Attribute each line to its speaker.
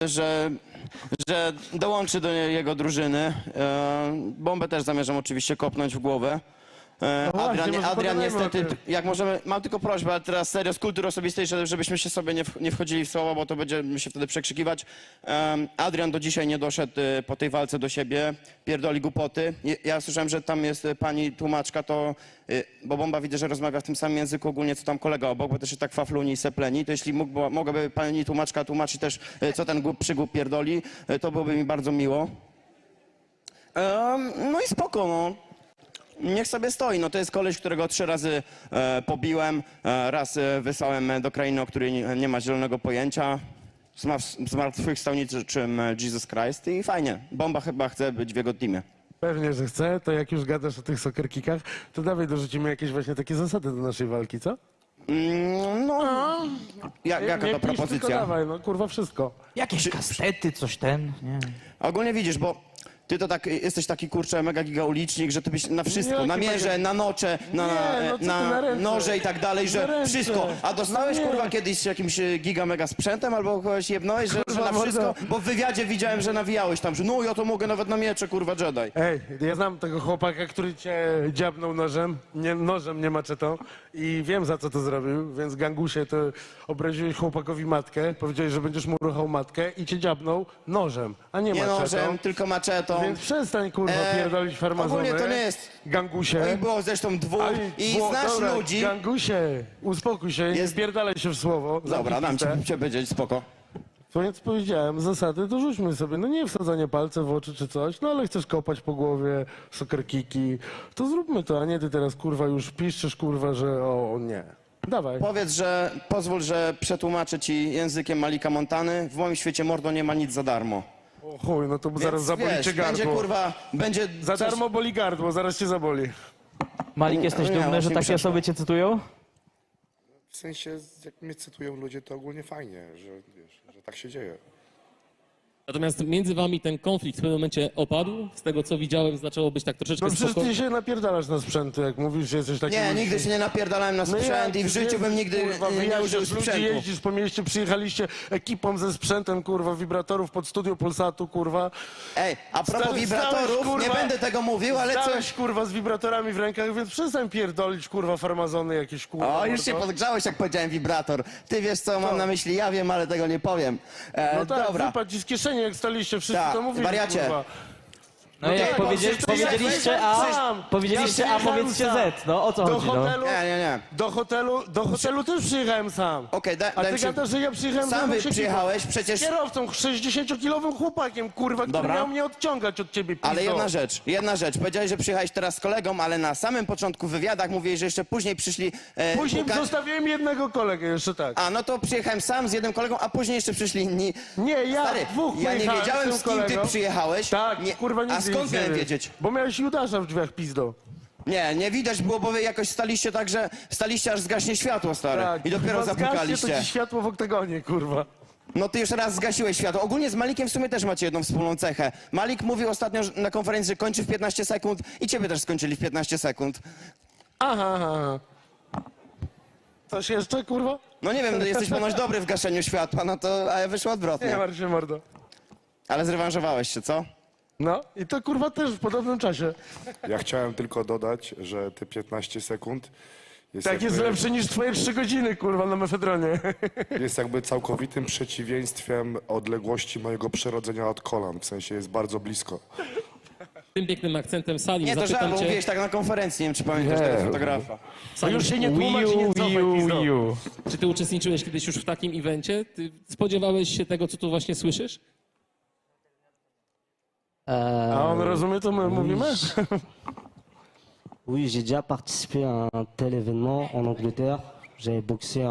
Speaker 1: że dołączy do jego drużyny. Bombę też zamierzam oczywiście kopnąć w głowę.
Speaker 2: No właśnie, może
Speaker 1: Adrian
Speaker 2: pogadajmy
Speaker 1: niestety,
Speaker 2: o tym.
Speaker 1: jak możemy, mam tylko prośbę, ale teraz serio z kultury osobistej, żebyśmy się sobie nie wchodzili w słowa, bo to będziemy się wtedy przekrzykiwać. Adrian do dzisiaj nie doszedł po tej walce do siebie, pierdoli głupoty. Ja słyszałem, że tam jest pani tłumaczka, to, bo Bomba widzę, że rozmawia w tym samym języku ogólnie, co tam kolega obok, bo też się tak fafluni i sepleni, to jeśli mogłaby pani tłumaczka tłumaczyć też, co ten przygłup pierdoli, to byłoby mi bardzo miło. No i spoko, no. Niech sobie stoi. No to jest koleś, którego 3 razy pobiłem, raz wysłałem do krainy, o której nie ma zielonego pojęcia. Zmartwychwstał niczym Jesus Christ i fajnie. Bomba chyba chce być w jego teamie.
Speaker 2: Pewnie, że chcę. To jak już gadasz o tych soccer kickach, to dawaj dorzucimy jakieś właśnie takie zasady do naszej walki, co?
Speaker 1: Jaka
Speaker 2: Nie
Speaker 1: to
Speaker 2: pisz, tylko
Speaker 1: propozycja?
Speaker 2: dawaj, no kurwa wszystko.
Speaker 3: Jakieś kastety, coś ten, nie.
Speaker 1: Ogólnie widzisz, bo ty to tak, jesteś taki kurczę mega giga ulicznik, że ty byś na wszystko,
Speaker 2: Jakie
Speaker 1: na mierze,
Speaker 2: mega-
Speaker 1: na nocze,
Speaker 2: Nie, no co ty, na ręce.
Speaker 1: noże i tak dalej,
Speaker 2: Na
Speaker 1: że
Speaker 2: ręce.
Speaker 1: wszystko. A dostałeś
Speaker 2: No nie.
Speaker 1: kurwa kiedyś jakimś giga mega sprzętem albo kogoś jebnąłeś, że
Speaker 2: Kurwa,
Speaker 1: na wszystko?
Speaker 2: mordo.
Speaker 1: Bo w wywiadzie widziałem, że nawijałeś tam, że no ja to mogę nawet na miecze kurwa Jedi.
Speaker 2: Ej, ja znam tego chłopaka, który cię dziabnął nożem, nie maczetą i wiem za co to zrobił, więc gangusie to obraziłeś chłopakowi matkę, powiedziałeś, że będziesz mu ruchał matkę i cię dziabnął nożem, a nie
Speaker 1: Nie
Speaker 2: maczetą.
Speaker 1: nożem, tylko maczetą.
Speaker 2: Więc przestań kurwa pierdolić farmazony.
Speaker 1: Ogólnie to nie jest.
Speaker 2: Gangusie.
Speaker 1: No i było zresztą 2 i znasz
Speaker 2: dobra,
Speaker 1: ludzi.
Speaker 2: Gangusie, uspokój się, nie
Speaker 1: Jest-
Speaker 2: wpierdalaj się w słowo.
Speaker 1: Dobra, dam ci powiedzieć, spoko.
Speaker 2: To więc powiedziałem, zasady dorzućmy sobie, no nie wsadzanie palce w oczy czy coś, no ale chcesz kopać po głowie, soccer kicki, to zróbmy to, a nie ty teraz kurwa już piszesz kurwa, że o nie. Dawaj.
Speaker 1: Powiedz, że pozwól, że przetłumaczę ci językiem Malika Montany. W moim świecie mordo nie ma nic za darmo.
Speaker 2: O chuj, no to zaraz
Speaker 1: Więc,
Speaker 2: zaboli
Speaker 1: wiesz,
Speaker 2: cię gardło.
Speaker 1: będzie kurwa, będzie
Speaker 2: Za
Speaker 1: coś-
Speaker 2: darmo boli gardło, zaraz cię zaboli.
Speaker 3: Malik, jesteś
Speaker 1: nie,
Speaker 3: dumny, że
Speaker 1: właśnie
Speaker 3: takie
Speaker 1: przeszło.
Speaker 3: osoby cię cytują?
Speaker 4: W sensie, jak mnie cytują ludzie, to ogólnie fajnie, że, wiesz, że tak się dzieje.
Speaker 5: Natomiast między wami ten konflikt w pewnym momencie opadł. Z tego co widziałem, zaczęło być tak troszeczkę
Speaker 2: No przecież
Speaker 5: spokojnie.
Speaker 2: ty się napierdalasz na sprzęty, jak mówisz, że jesteś taki...
Speaker 1: Nie, nigdy się nie napierdalałem na sprzęt i w życiu bym nigdy nie użył
Speaker 2: ludzi,
Speaker 1: sprzętu.
Speaker 2: jeździsz po mieście, przyjechaliście ekipą ze sprzętem, kurwa, wibratorów pod studio Polsatu, kurwa.
Speaker 1: Ej, a propos
Speaker 2: Stałeś,
Speaker 1: wibratorów,
Speaker 2: kurwa,
Speaker 1: nie będę tego mówił, ale
Speaker 2: Stałeś,
Speaker 1: coś...
Speaker 2: kurwa, z wibratorami w rękach, więc przestań pierdolić, kurwa, farmazony jakieś, kurwa.
Speaker 1: O, już się
Speaker 2: mordo.
Speaker 1: podgrzałeś, jak powiedziałem wibrator. Ty wiesz, co mam na myśli, ja wiem, ale tego nie powiem.
Speaker 2: No tak,
Speaker 1: Dobra.
Speaker 2: wypadł ci z kieszeni, jak staliście, wszyscy
Speaker 1: Tak,
Speaker 2: to mówili,
Speaker 1: wariacie.
Speaker 2: kurwa.
Speaker 3: No jak
Speaker 2: tak,
Speaker 3: powiedzieliście
Speaker 2: sam.
Speaker 3: powiedzieliście
Speaker 2: Ja
Speaker 3: A, powiedzcie
Speaker 2: przyjechałem
Speaker 3: Z, no o co
Speaker 2: Do
Speaker 3: chodzi, no?
Speaker 2: hotelu,
Speaker 1: Nie.
Speaker 2: do hotelu też przyjechałem sam.
Speaker 1: Okej,
Speaker 2: A
Speaker 1: daj
Speaker 2: ty
Speaker 1: się...
Speaker 2: gadasz, że ja przyjechałem
Speaker 1: Sam
Speaker 2: ze mną się
Speaker 1: przyjechałeś,
Speaker 2: Z
Speaker 1: przecież...
Speaker 2: kierowcą, 60-kilowym chłopakiem, kurwa, który
Speaker 1: Dobra.
Speaker 2: miał mnie odciągać od ciebie, pizdo.
Speaker 1: Ale jedna rzecz. Powiedziałeś, że przyjechałeś teraz z kolegą, ale na samym początku w wywiadach mówiłeś, że jeszcze później przyszli...
Speaker 2: Później
Speaker 1: pukać.
Speaker 2: zostawiłem jednego kolegę jeszcze tak.
Speaker 1: A, no to przyjechałem sam z jednym kolegą, a później jeszcze przyszli inni.
Speaker 2: Nie, ja
Speaker 1: Stary,
Speaker 2: dwóch
Speaker 1: ja nie
Speaker 2: pojechałem
Speaker 1: wiedziałem,
Speaker 2: z
Speaker 1: z
Speaker 2: tym
Speaker 1: kim ty
Speaker 2: kolegą.
Speaker 1: przyjechałeś.
Speaker 2: Tak,
Speaker 1: Nie,
Speaker 2: kurwa, nigdy
Speaker 1: a skąd
Speaker 2: nic nie
Speaker 1: miałem
Speaker 2: wiem.
Speaker 1: wiedzieć?
Speaker 2: Bo miałeś Judasza w drzwiach, pizdo.
Speaker 1: Nie widać było, bo wy jakoś staliście tak, że staliście aż zgaśnie światło, stary.
Speaker 2: Tak,
Speaker 1: I dopiero
Speaker 2: kurwa, zgaście,
Speaker 1: zapukaliście.
Speaker 2: to ci światło w oktagonie, kurwa.
Speaker 1: No ty już raz zgasiłeś światło. Ogólnie z Malikiem w sumie też macie jedną wspólną cechę. Malik mówił ostatnio na konferencji, że kończy w 15 sekund i ciebie też skończyli w 15 sekund.
Speaker 2: Aha. Coś jeszcze, kurwa?
Speaker 1: No nie wiem, no jesteś ponoć dobry w gaszeniu światła, no to, a wyszło
Speaker 2: Nie
Speaker 1: odwrotnie.
Speaker 2: martw się, mordo.
Speaker 1: Ale zrewanżowałeś się, co?
Speaker 2: No i to kurwa też w podobnym czasie.
Speaker 4: Ja chciałem tylko dodać, że te 15 sekund jest,
Speaker 2: Tak jest lepsze niż twoje 3 godziny, kurwa, na mefedronie.
Speaker 4: jest jakby całkowitym przeciwieństwem odległości mojego przerodzenia od kolan. W sensie jest bardzo blisko.
Speaker 5: Tym pięknym akcentem Salim
Speaker 1: Nie, to żart,
Speaker 5: zapytam
Speaker 1: bo
Speaker 5: cię,
Speaker 1: mówiłeś tak na konferencji, nie wiem, czy pamiętasz
Speaker 4: Nie.
Speaker 1: tego fotografa.
Speaker 5: Salim,
Speaker 2: Już się nie tłumacz i nie cofaj, pizdo.
Speaker 5: czy ty uczestniczyłeś kiedyś już w takim evencie? Ty spodziewałeś się tego, co tu właśnie słyszysz?
Speaker 2: A on rozumie, to my mówimy?
Speaker 6: Oui, j'ai déjà participé à un tel événement en Angleterre. J'avais boxé